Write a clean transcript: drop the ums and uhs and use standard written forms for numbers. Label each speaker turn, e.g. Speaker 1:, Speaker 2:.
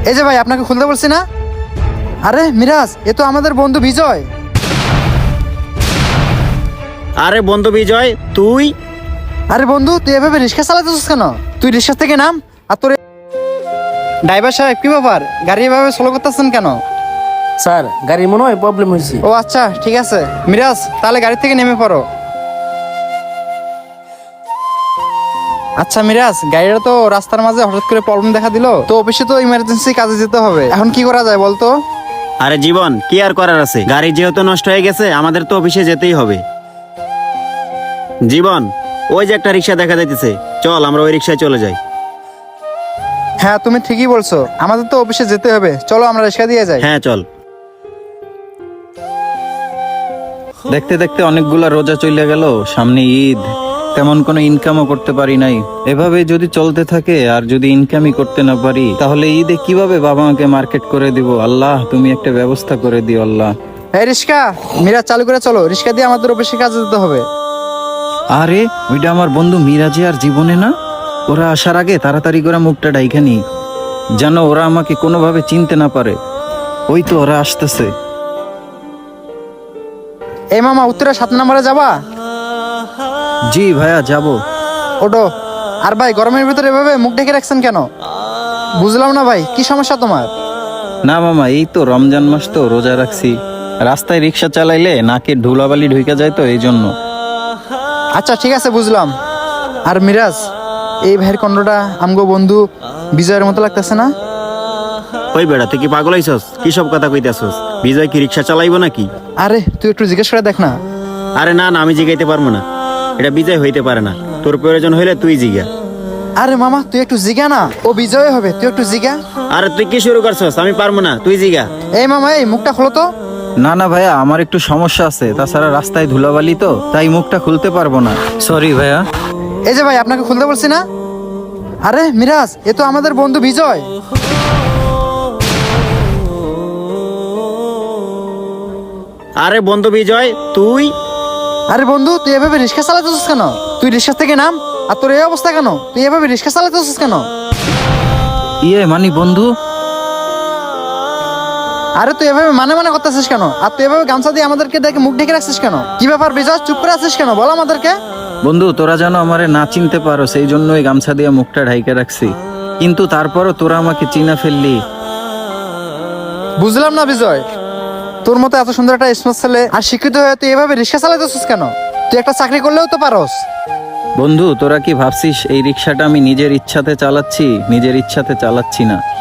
Speaker 1: এই যে ভাই, আপনাকে খুলতে বলছি না। আরে মিরাজ, এ তো আমাদের বন্ধু বিজয়।
Speaker 2: আরে বন্ধু বিজয়, তুই?
Speaker 1: আরে বন্ধু, তুই এভাবে রিক্সা চালাতেছিস কেন? তুই রিক্সা থেকে নাম। আর তোর ড্রাইভার সাহেব, কি ব্যাপার? গাড়ি এভাবে স্লো করতেছেন কেন?
Speaker 3: স্যার, গাড়ির মনে হয় প্রবলেম হয়েছে।
Speaker 1: ও আচ্ছা, ঠিক আছে। মিরাজ, তাহলে গাড়ি থেকে নেমে পড়ো। আচ্ছা মিরাজ, গাড়িটা তো রাস্তার মাঝে হঠাৎ করে প্রবলেম দেখা দিল, তো অফিসে তো ইমার্জেন্সি কাজে যেতে হবে, এখন কি করা যায় বলতো?
Speaker 2: আরে জীবন, কি আর করার আছে, গাড়ি যেহেতু নষ্ট হয়ে গেছে আমাদের তো অফিসে যেতেই হবে। জীবন, ওই যে একটা রিক্সা দেখা যাইতেছে, চল আমরা ওই রিক্সায় চলে যাই।
Speaker 1: হ্যাঁ, তুমি ঠিকই বলছো, আমাদের তো অফিসে যেতে হবে, চলো আমরা রিক্সা দিয়ে যাই।
Speaker 2: হ্যাঁ চল।
Speaker 4: দেখতে দেখতে অনেকগুলা রোজা চলে গেল, সামনে ঈদ, তেমন কোনো ইনকামও করতে পারি নাই। এভাবে যদি চলতে থাকে আর যদি ইনকামই করতে না পারি, তাহলে ঈদে কিভাবে বাবা মাকে মার্কেট করে দিব? আল্লাহ, তুমি একটা ব্যবস্থা করে দিও আল্লাহ।
Speaker 1: এই রিক্সা, মিরাজ চালু করে চলো, রিক্সা দিয়ে আমাদের অফিসে কাজে যেতে হবে।
Speaker 4: আরে ওইটা আমার বন্ধু মিরাজে আর জীবনে না? ওরা আসার আগে তাড়াতাড়ি করে মুখটা ডাইখা নি, যেন ওরা আমাকে কোনোভাবে চিনতে না পারে। ওই তো ওরা আসতেছে।
Speaker 1: এই মামা, উত্তরা 7 নম্বরে যাবা?
Speaker 4: জি ভাইয়া, যাবো।
Speaker 1: ওটো। আর ভাই, গরমের ভিতরে এভাবে মুখ ঢেকে রাখছেন কেন? বুঝলাম না ভাই, কি সমস্যা তোমার?
Speaker 4: না মামা, এই তো রমজান মাস তো রোজা রাখছি, রাস্তায় রিক্সা চালাইলে নাকে ধুলাবালি ঢুকে যায় তো এই জন্য।
Speaker 1: আচ্ছা ঠিক আছে, বুঝলাম। আর মিরাজ, এই ভাইয়ের কণ্ঠটা আমগো বন্ধু বিজয়ের মতো লাগতেছে না?
Speaker 2: ওই বেড়া, তুই কি পাগল হইছস? কি সব কথা কইতাছস? বিজয় কি রিক্সা চালাইবো নাকি?
Speaker 1: আরে তুই একটু জিজ্ঞেস করে দেখ না।
Speaker 2: আরে না না, আমি জিগাইতে পারবো না, এটা বিজয় হইতে পারে না। তোর প্রয়োজন হইলে তুই জিগা।
Speaker 1: আরে মামা, তুই একটু জিগা না, ও বিজয় হবে, তুই একটু জিগা।
Speaker 2: আরে তুই কি শুরু করছস? আমি পারবো না, তুই জিগা।
Speaker 1: এই মামা, এই মুখটা খোলো তো।
Speaker 4: না না ভাইয়া, আমার একটু সমস্যা আছে, তাছাড়া রাস্তায় ধুলাবালি তো, তাই মুখটা খুলতে পারবো না, সরি ভাইয়া।
Speaker 1: এই যে ভাই, আপনাকে খুলতে বলছি না। আরে মিরাজ, এ তো আমাদের বন্ধু বিজয়।
Speaker 2: আরে বন্ধু বিজয়, তুই?
Speaker 1: আরে বন্ধু, তুই এভাবে রিক্সা চালাতেছিস কেন? তুই রিক্সা থেকে নাম। আর তোর এই অবস্থা কেন? তুই এভাবে রিক্সা চালাতেছিস কেন?
Speaker 4: মানি বন্ধু।
Speaker 1: আরে তুই এভাবে মানে মানে করতেছিস কেন? আর তুই এভাবে গামছা দিয়ে আমাদেরকে দেখে মুখ ঢেকে রাখছিস কেন? কি ব্যাপার বিজয়, চুপ করে আছিস কেন? বল আমাদেরকে।
Speaker 4: বন্ধু, তোরা যেন আমারে না চিনতে পারো সেই জন্য ওই গামছা দিয়ে মুখটা ঢাইকে রাখছি, কিন্তু তারপরও তোরা আমাকে চিনা ফেললি।
Speaker 1: বুঝলাম না বিজয়, তোর মতো এত সুন্দর একটা স্মার্ট ছেলে আর শিক্ষিত হয়ে তুই এভাবে রিক্সা চালাতেছিস কেন? তুই একটা চাকরি করলেও তো পারস।
Speaker 4: বন্ধু, তোরা কি ভাবছিস এই রিক্সাটা আমি নিজের ইচ্ছাতে চালাচ্ছি? নিজের ইচ্ছাতে চালাচ্ছি না।